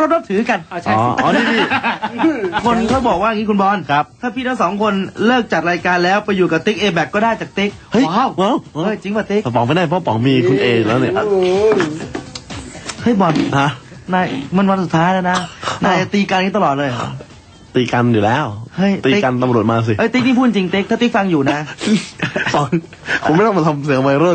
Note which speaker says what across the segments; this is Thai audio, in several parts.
Speaker 1: ก็นับถือกัน
Speaker 2: ใช่อ๋อนี่
Speaker 1: คนเขาบอกว่าอย่างนี้คุณบอล
Speaker 2: ครับ
Speaker 1: ถ้าพี่ทั้งสองคนเลิกจัดรายการแล้วไปอยู่กับติ๊กเอแบกก็ได้จากติ๊กว้าวจริงป่ะติ๊ก
Speaker 2: ป๋องไม่ได้เพราะป๋องมีคุณเอแล้วเนี่ย
Speaker 1: เฮ้ยบอล
Speaker 2: ฮะ
Speaker 1: นายมันวันสุดท้ายแล้วนะนายตีกันนี้ตลอดเลย
Speaker 2: ตีกันอยู่แล้วตีกันตำรวจมาสิ
Speaker 1: ติ๊กนี่พูดจริงติ๊กถ้าติ๊กฟังอยู่นะ
Speaker 2: ผมไม่ต้องมาทำเสียงวัยรุ่น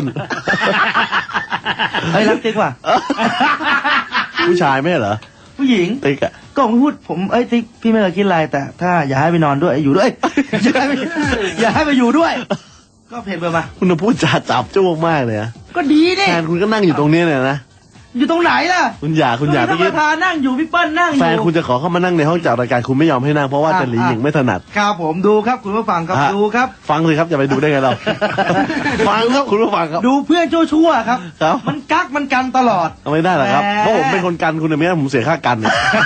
Speaker 1: รักติ๊กว่ะ
Speaker 2: ผู้ชายไม่เหรอ
Speaker 1: ผู้หญิง
Speaker 2: ติ๊กอะ
Speaker 1: ก็ผมพูดผมติ๊กพี่ไม่เคยคิดอะไรแต่ถ้าอย่าให้ไปนอนด้วยอยู่ด้วยอย่าให้ไปอยู่ด้วยก็เพลงไปมา
Speaker 2: คุณพูดจาจับจ้วงมากเลยนะ
Speaker 1: ก็ดีนี่
Speaker 2: แฟนคุณก็นั่งอยู่ตรงนี้เนี่ยนะ
Speaker 1: อยู่ตรงไหนล่ะ
Speaker 2: คุณอย่า
Speaker 1: พี่ประธานนั่งอยู่พี่เปิ้ลนั่งอยู่
Speaker 2: แฟนคุณจะขอเข้ามานั่งในห้องจัดรายการคุณไม่ยอมให้นั่งเพราะว่าจะหลีหญิงไม่ถนัด
Speaker 1: ครับผมดูครับคุณผู้ฟังครับดูครับ
Speaker 2: ฟังเลยครับอย่าไปดูได้ไงเราฟังครับคุณผู้ฟังครับ
Speaker 1: ดูเพื่อนชั่วครับมันกักมันกันตลอด
Speaker 2: ไม่ได้หรอกครับเพราะผมเป็นคนกันคุณไม่ได้ผมเสียค่ากัน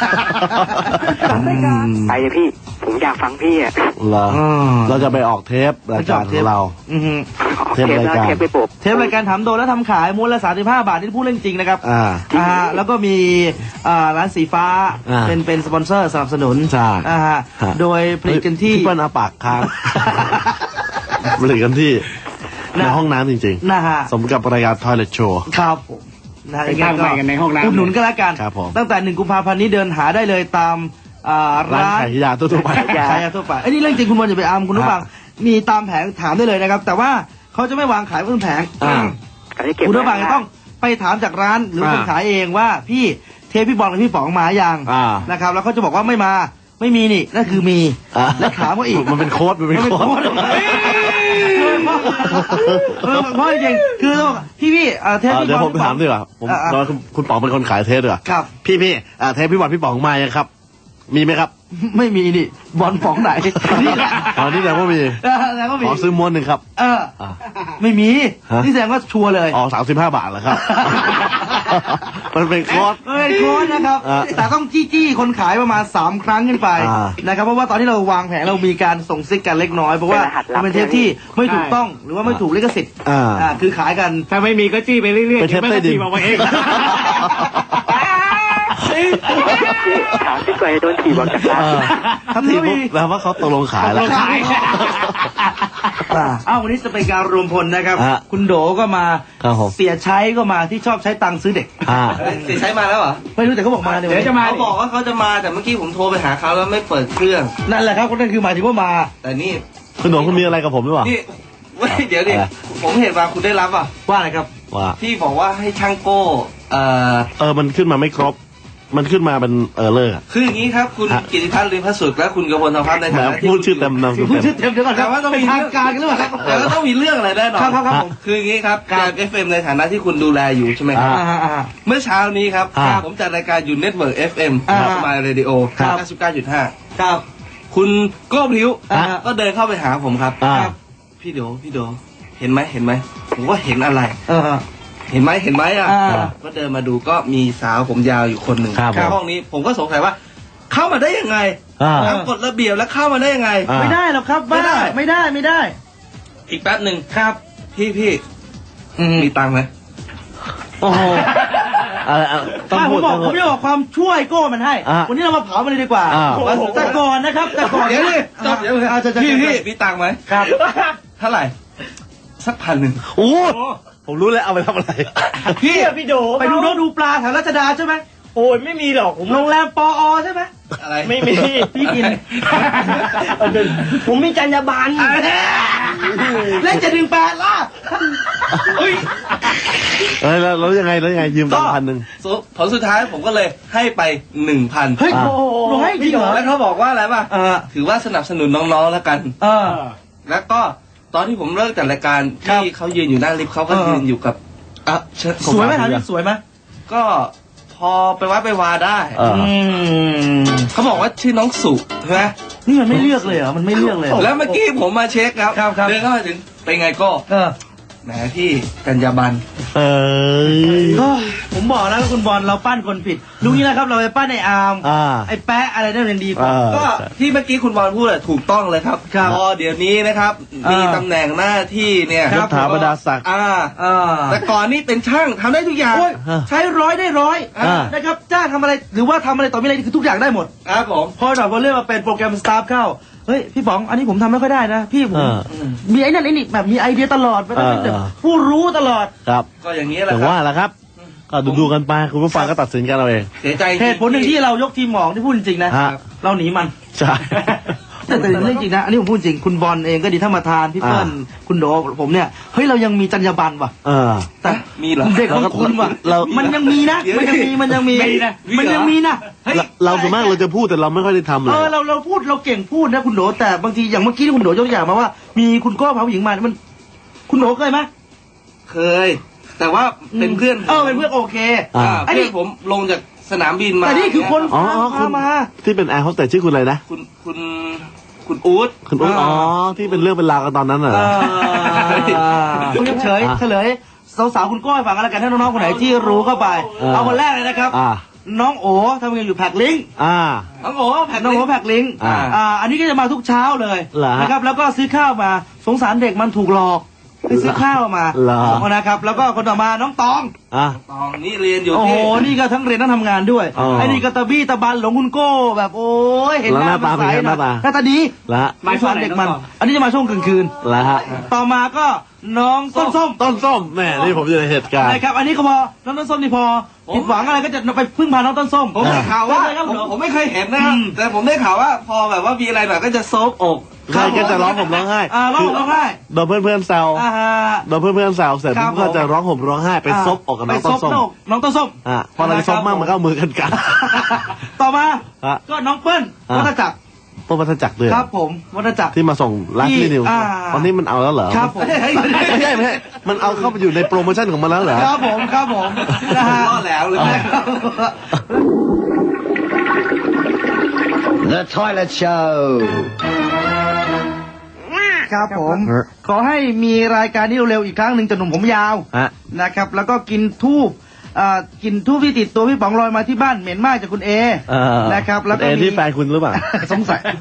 Speaker 3: ไปเลยพี่ผมอยากฟังพี่อ่ะ
Speaker 2: เราจะไปออกเทปรายการของเรา
Speaker 1: เทปรายการถามโดนแล้วทำขายม้วนละ35 บาทที่พูดเรื่องจริงนะครับแล้วก็มีร้านสีฟ้าเป็นสปอนเซอร์สนับสนุนโดยผลิตกันที่
Speaker 2: เปิ้ลอาปากค้างผลิตกันที่ในห้องน้ำจริงๆสมกับรายการ Toilet Show
Speaker 1: ครับผม
Speaker 3: ไปตั้งใหม่กันในห้องน้ำ
Speaker 1: อุดหนุนกันแล้วกันตั้งแต่1 กุมภาพันธ์นี้เดินหาได้เลยตาม
Speaker 2: ร้านขายยาทั่วไป
Speaker 1: ขายยาทั่วไปไอ้นี่เรื่องจริงคุณบอลอย่าไปอ้ามคุณผู้ฟังมีตามแผงถามได้เลยนะครับแต่ว่าเขาจะไม่วางขายบนแผงคุณผู้ฟังต้องไปถามจากร้านหรือคนขายเองว่าพี่เทปพี่บอลกับพี่ป๋องมาอย่างนะครับแล้วเขาจะบอกว่าไม่มาไม่มีนี่นั่นคือมีแล้วถามว่าอีก
Speaker 2: มันเป็นโค้ดเพ
Speaker 1: ราะจริงคือพี่เทปพี่บอล
Speaker 2: เดี๋ยวผมถามดีกว่าผมคุณป๋องเป็นคนขายเทปด้วย
Speaker 1: ครับ
Speaker 2: พี่เทปพี่บอลพี่ป๋องมายังครับมีไหมครับ
Speaker 1: ไม่มีนี่บอลป๋องไหน
Speaker 2: นี่แสดงว่ามีขอซื้อม้วนหนึ่งครับ
Speaker 1: ไม่มีนี่แสดงว่าชัวร์เลย
Speaker 2: 35 บาทเหรอครับมันเป็นโค้ด
Speaker 1: นะครับแต่ต้องจี้คนขายประมาณ3 ครั้งขึ้นไปนะครับเพราะว่าตอนที่เราวางแผนเรามีการส่งซิกกันเล็กน้อยเพราะว่าเป็นเทปที่ไม่ถูกต้องหรือว่าไม่ถูกลิขสิทธิ์คือขายกัน
Speaker 3: ถ้าไม่มีก็จี้ไปเรื่อยๆ
Speaker 2: เป็นเทปใต้ดิน
Speaker 3: มาเองถามที่ไกลโดนถีบออกจากร้าน
Speaker 2: ถ้าถีบแล้วว่าเขาตกลงขายแล้ว
Speaker 1: วันนี้จะเป็นการรวมพลนะครับคุณโดก็มาเสียใช้ก็มาที่ชอบใช้ตังค์ซื้อเด็ก
Speaker 4: เสียใช้มาแล้วเหรอ
Speaker 1: ไม่รู้แต่เขาบอกมา
Speaker 4: เดี๋ยวจะมาเขาบอกว่าเขาจะมาแต่เมื่อกี้ผมโทรไปหาเขาแล้วไม่เปิดเครื่อง
Speaker 1: นั่นแหละครับก็นั่นคือหมายถึงว่ามา
Speaker 4: แต่นี่
Speaker 2: คุณโดคุณมีอะไรกับผมหรือเปล่า
Speaker 4: นี่เดี๋ยวดิผมเห็นว่าคุณได้รับ
Speaker 1: ว่าอะไรครับ
Speaker 2: ว่า
Speaker 4: พี่บอกว่าให้ช่างโก้
Speaker 2: มันขึ้นมาไม่ครบมันขึ้นมาเป็นเลิก
Speaker 4: คืออย่างนี้ครับคุณกิติพัฒน์ ลืมพระสุดและคุณกมลธรรมพัฒน์ในฐานะ
Speaker 2: ที่พูดชื่อเต็มนามสกุล
Speaker 1: พูดชื่อเต็มเดี๋ยวก่อน
Speaker 4: แต่ว่าต้องมี
Speaker 1: ทางการกันหรือเปล่าครับ
Speaker 4: แต่ก็ต้องมีเรื่องอะไรแน่นอน
Speaker 1: ครับผม
Speaker 4: คืออย่างนี้ครับการ FM ในฐานะที่คุณดูแลอยู่ใช่ไหมครับเมื่อเช้านี้ครับผมจัดรายการอยู่เน็ตเวิร์ก FM สมายเรดิโอ 99.5
Speaker 1: ครับ
Speaker 4: คุณโก้พลิ้วก็เดินเข้าไปหาผมครับพี่โดเห็นไหมผมว่าเห็นอะไรเห็นไหมก็เดินมาดูก็มีสาวผมยาวอยู่คนหนึ่งห้องนี้ผมก็สงสัยว่าเข้ามาได้ยังไงตามกฎระเบียบแล้วเข้ามาได้ยังไง
Speaker 1: ไม่ได้หรอกครับไม่ได้
Speaker 4: อีกแป๊บหนึ่ง
Speaker 1: ครับพี่
Speaker 4: มีตังค์ไหม
Speaker 1: โอ้โหผมจะบอกความช่วยโก้มันให้วันนี้เรามาเผามันเลยดีกว่าแต่ก่อนนะครับแต่ก่อน
Speaker 4: เดี๋ยวพี่มีตังค์ไหม
Speaker 1: ครับ
Speaker 4: เท่าไหร่สัก1,000
Speaker 2: โอ้ผมรู้แล้วเอาไปทำอะไร
Speaker 1: พี่โดไปดูปลาแถวรัชดาใช่ไหมโอ้ยไม่มีหรอกผมโรงแรมปอใช่ไหม
Speaker 4: อะไร
Speaker 1: ไม่มีพี่กินผมมีจรรยาบรรณเล่นจะดึง8ล่ะ
Speaker 2: แล้วยังไงยืมตังค์
Speaker 4: 1,000ผลสุดท้ายผมก็เลยให้ไป 1,000
Speaker 1: เฮ้ยโอ้ยจริงเหรอ
Speaker 4: แล้วเขาบอกว่าอะไรป่ะถือว่าสนับสนุนน้องๆแล้วกันแล้วก็ตอนที่ผมเลิกจัดรายการที่เขายืนอยู่หน้าลิฟต์เขาก็ยืนอยู่กับ
Speaker 1: สวยไหมครับสวยไหม
Speaker 4: ก็พอไปวัดไปวาได้เขาบอกว่าชื่อน้องสุใช่ไหม
Speaker 1: นี่มันไม่เลือกเลยเหรอมันไม่เลือกเลย
Speaker 4: แล้วเมื่อกี้ผมมาเช็คครับเดินเข้ามาถึงเป็นไงก็แหมพี่กัญญาบัน
Speaker 1: ผมบอกแล้วคุณบอลเราปั้นคนผิดลุงนี้นะครับเราไปปั้นไอ้อาร์มไอ้แปะอะไรนั่นยังดีกว่า
Speaker 4: ก็ที่เมื่อกี้คุณบอลพูดถูกต้องเลยครับพอเดี๋ยวนี้นะครับมีตำแหน่งหน้าที่เนี่ย
Speaker 2: ยศถาบรรดาศักดิ์
Speaker 4: แต่ก่อนนี่เป็นช่างทำได้ทุกอย่าง
Speaker 1: ใช้ร้อยได้ร้อยนะครับจ้างทำอะไรหรือว่าทำอะไรต่อมีอะไรคือทุกอย่างได้หมด
Speaker 4: ครับผม
Speaker 1: พอหน่อยพอเรื่องมาเป็นโปรแกรมสตาฟเข้าเฮ้ยพี่ป๋องอันนี้ผมทำไม่ค่อยได้นะพี่ผมมีไอ้นั่นไอ้นี่แบบมีไอเดียตลอดไม่ต้องเป็นผู้รู้ตลอด
Speaker 2: ครับ
Speaker 4: ก็อย่างนี้แหละ
Speaker 2: แต่ว่าล่ะครับก็ดูกันไปคุณผู้ฟังก็ตัดสินกันเอาเอง
Speaker 4: เสียใจ
Speaker 1: เหตุผลหนึ่งที่เรายกทีมหมองที่พูดจริงนะเราหนีมัน
Speaker 2: ใช่
Speaker 1: แต่เรื่องจริงนะอันนี้ผมพูดจริงคุณบอลเองก็ดีถ้ามาทานพี่เปิ้ลคุณโดผมเนี่ยเฮ้ยเรายังมีจรรยาบรรณว่ะแต่
Speaker 4: มีเหรอ
Speaker 1: เด็กของคุณว่ะมันยังมีนะมันยังมีนะ
Speaker 2: เราส่วนมากเราจะพูดแต่เราไม่ค่อยได้ทำเลย
Speaker 1: เราพูดเราเก่งพูดนะคุณโดแต่บางทีอย่างเมื่อกี้ที่คุณโดยกตัวอย่างมาว่ามีคุณก้อพาผู้หญิงมามันคุณโดเคยไหม
Speaker 4: เคยแต่ว่าเป็นเพื่อน
Speaker 1: เป็นเพื่อนโอเค
Speaker 4: ไอ้นี่ผมลงจากสนามบินมา
Speaker 1: แต่นี่คือคนพามา
Speaker 2: ที่เป็นแอร์โฮสเตสชื่อคุณอะไรนะ
Speaker 4: คุณอู๊ด
Speaker 2: ที่เป็นเรื่องเป็นราวกันตอนนั้นเหรอ
Speaker 1: คุณเฉยสาวๆคุณก้อยฟังกันแล้วกันถ้าน้องๆคนไหนที่รู้เข้าไปเอาคนแรกเลยนะครับน้องโอทำงานอยู่แพ็คลิงน้องโอแพ็คลิงอันนี้ก็จะมาทุกเช้าเลยนะครับแล้วก็ซื้อข้าวมาสงสารเด็กมันถูกหลอกไปซื้อข้าวมานะครับแล้วก็คนต่อมาน้องตอง
Speaker 4: นี่เรียนอยู่
Speaker 1: โอ้โหนี่ก็ทั้งเรียนทั้งทำงานด้วยไอ้นี่ก็ตะบี้ตะบันหลงคุณโก้แบบโอ้ยเห็นหน้า
Speaker 2: ตา
Speaker 1: ใสหน้าตาดีมาช่วงเด็กมันอันนี้จะมาช่วงกลางคืนต่อมาก็น้องต้นส้ม
Speaker 2: แม่นี่ผมอยู่ในเหตุการณ์
Speaker 1: นะครับอันนี้ก็พอน้องต้นส้มนี่พอผิดหวังอะไรก็จะไปพึ่งพาน้องต้นส้ม
Speaker 4: ผมได้ข่าวว่าผมไม่เคยเห็นนะแต่ผมได้ข่าวว่าพอแบบว่ามีอะไรหน่อยก็จะโซบอก
Speaker 2: ใครก็จะร้องห่มร้องไห้
Speaker 1: ร้องไห้
Speaker 2: โดนเพื่อนแซวโดนเพื่อนแซวเสร็จก็จะร้องห่มร้องไห้ไปซบอกกับน้องต้นส้มพอเราซบมากมันก็มือกัน
Speaker 1: ต่อมาก็น้องเปิ้ลวัฒจักร
Speaker 2: วัฒจักรด้วย
Speaker 1: ครับผมวัฒจักร
Speaker 2: ที่มาส่งร้านที่นิวตอนนี้มันเอาแล้วเหรอ
Speaker 1: ครับผม
Speaker 2: ไม่ใช่มันเอาเข้าไปอยู่ในโปรโมชั่นของมันแล้วเหรอ
Speaker 1: ครับผม
Speaker 4: นะฮะรอดแล้วเลย
Speaker 5: The Toilet Show
Speaker 1: ครับผมขอให้มีรายการนี้เร็วๆอีกครั้งหนึ่งจะหนุ่มผมยาวนะครับแล้วก็กินทูบที่ติดตัวพี่ป๋องลอยมาที่บ้านเหม็นมากจากคุณเอนะครับแล้วก็
Speaker 2: มีที่แฟนคุณหรือเปล่า
Speaker 1: สงสัย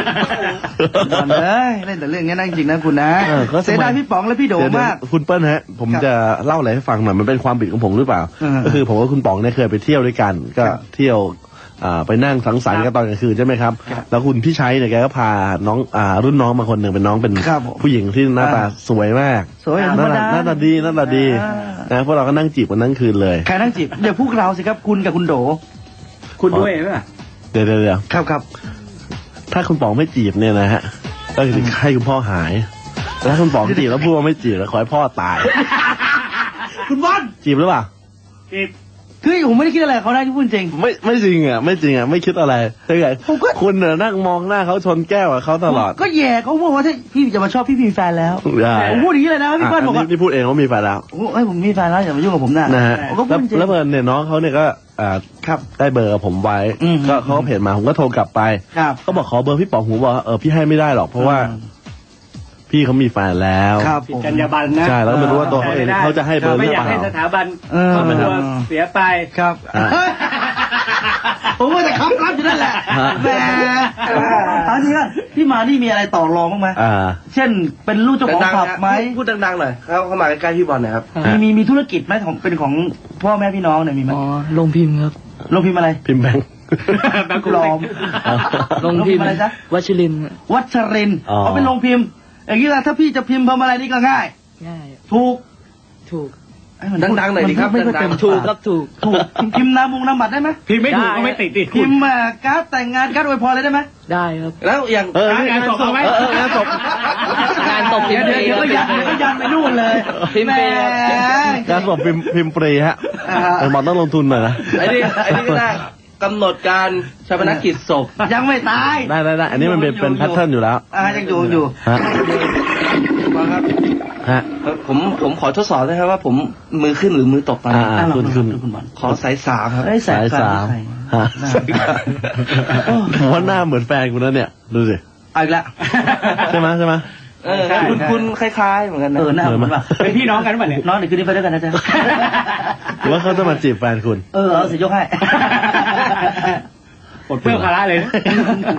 Speaker 1: เล่นแต่เรื่องนี้นั่งจริงนะคุณนะเสียดายพี่ป๋องและพี่โดมาก
Speaker 2: คุณเปิ้ลฮะผมจะเล่าอะไรให้ฟังหน่อยมันเป็นความผิดของผมหรือเปล่าก็คือผมกับคุณป๋องเนี่ยเคยไปเที่ยวด้วยกันก็เที่ยวไปนั่งสังสรรค์กันตอนกลางคืนใช่ไหมครับแล้วคุณพี่ชัยเนี่ยแกก็พาน้องรุ่นน้องมาคนหนึ่งเป็นน้องเป็นผู้หญิงที่หน้าตาสวยมากหน้าตาดีนะพวกเราก็นั่งจีบกันนั่งคืนเลย
Speaker 1: ใครนั่งจีบเดี๋ยวพวกเราสิครับคุณกับคุณโดคุณด้วยไหม
Speaker 2: เดี๋ยว
Speaker 1: ครับ
Speaker 2: ถ้าคุณป๋องไม่จีบเนี่ยนะฮะก็จะให้คุณพ่อหายแต่ถ้าคุณป๋องจีบแล้วพูดว่าไม่จีบแล้วขอให้พ่อตาย
Speaker 1: คุณบอล
Speaker 2: จีบหรือเปล่า
Speaker 1: จีบคือผมไม่ได้คิดอะไรเขาได้ที่พูดจริง
Speaker 2: ไม่จริงอ่ะไม่คิดอะไรใช่ไงคุณเนี่ยนั่งมองหน้าเขาชนแก้วกับเขาตลอด
Speaker 1: ก็แย่เขาพูดว่าถ้าพี่จะมาชอบพี่มีแฟนแล้วผมพูดอย่างนี้เลยนะพี่เปิ้ลบอกว่า
Speaker 2: พี่พูดเองว่ามีแฟนแล้ว
Speaker 1: โอ้ยผมมีแฟนแล้วอย่ามายุ่งกับผมนะ
Speaker 2: ฮะแล้วเพื่อนเนี่ยน้องเขาเนี่ยก็
Speaker 1: ครับ
Speaker 2: ได้เบอร์กับผมไว้ก็เขาเพจมาผมก็โทรกลับไปเขาบอกขอเบอร์พี่ป๋องผมบอกพี่ให้ไม่ได้หรอกเพราะว่าพี่เขามีแฟนแล้ว
Speaker 1: ผิดจรรยาบรรณนะ
Speaker 2: ใช่แล้วไม่รู้ว่าตัวเขาเองเขาจะให้เบอร์หรือเปล่า
Speaker 6: ไม่อยากให้สถาบันตัวเสียไป
Speaker 1: ครับผมว่าจะค้ำรับอยู่นั่นแหละแหมเอาจริงว่าพี่มานี่มีอะไรต่อรองบ้างไหมเช่นเป็นลูกเจ้าของผับไหม
Speaker 4: พูดดังๆหน่อยเข้ามาใกล้ๆพี่บอลหน่อยครับ
Speaker 1: มีธุรกิจไหมของเป็นของพ่อแม่พี่น้องเนี่ยมีไหม
Speaker 6: อ๋อโรงพิมพ์ครับ
Speaker 1: โรงพิมพ์อะไร
Speaker 2: พิมพ์แบงค์
Speaker 1: ปลอม
Speaker 6: โรงพิมพ์อะไรจ๊ะวัชริน
Speaker 1: เขาเป็นโรงพิมพ์อย่างนี้ละถ้าพี่จะพิมพ์อะไรนี่ก็ง่ายถูก
Speaker 4: ดังๆหน่อยดิครับ
Speaker 6: ดังๆถูก
Speaker 1: พิมพ์นาบัตรได้ไหม
Speaker 6: พิมพ์ไม่ถูกก็ไม่ติด
Speaker 1: พิมพ์การ์ดแต่งงานการ์ดอวยพรอะไรได้ไหม
Speaker 6: ได้ครับ
Speaker 4: แล้วอย่าง
Speaker 6: งานศพเอาไหม
Speaker 1: งานศพเดี๋ยวก็ยันไปนู่นเลย
Speaker 6: พิมพ์เปย์
Speaker 2: งานศพพิมพ์เปย์ฮะหมอต้องลงทุนหน่อยนะ
Speaker 4: ไอ้นี่ก็ได้กำหนดการชาปนกิจศพ
Speaker 1: ยังไม่ตาย
Speaker 2: ได้อันนี้มันเป็นแพทเทิร์นอยู่แล้ว
Speaker 1: ยังอยู่
Speaker 4: ครับผมขอทดสอบได้ครับว่าผมมือขึ้นหรือมือตกตอนนี้
Speaker 2: ขึ้น
Speaker 4: ขอสายสามครับ
Speaker 1: สายสาม
Speaker 2: ผมว่าหน้าเหมือนแฟนคุณนะเนี่ยดูสิ
Speaker 1: อีกแล้ว
Speaker 2: ใช่ไหม
Speaker 4: คุณคล้ายๆเหมือนกันนะ
Speaker 1: หน้าเหมือนป่ะ
Speaker 6: เป็นพี่น้องกันป่ะเนี่ย
Speaker 1: น้องเดี๋ยวคืนนี้ไปด้วยกันนะจ๊ะ
Speaker 2: หรือว่าเขาจะมาจีบแฟนคุณ
Speaker 1: เอาเสียยกให้
Speaker 6: ปลดเปลื้องภาระเลยนะ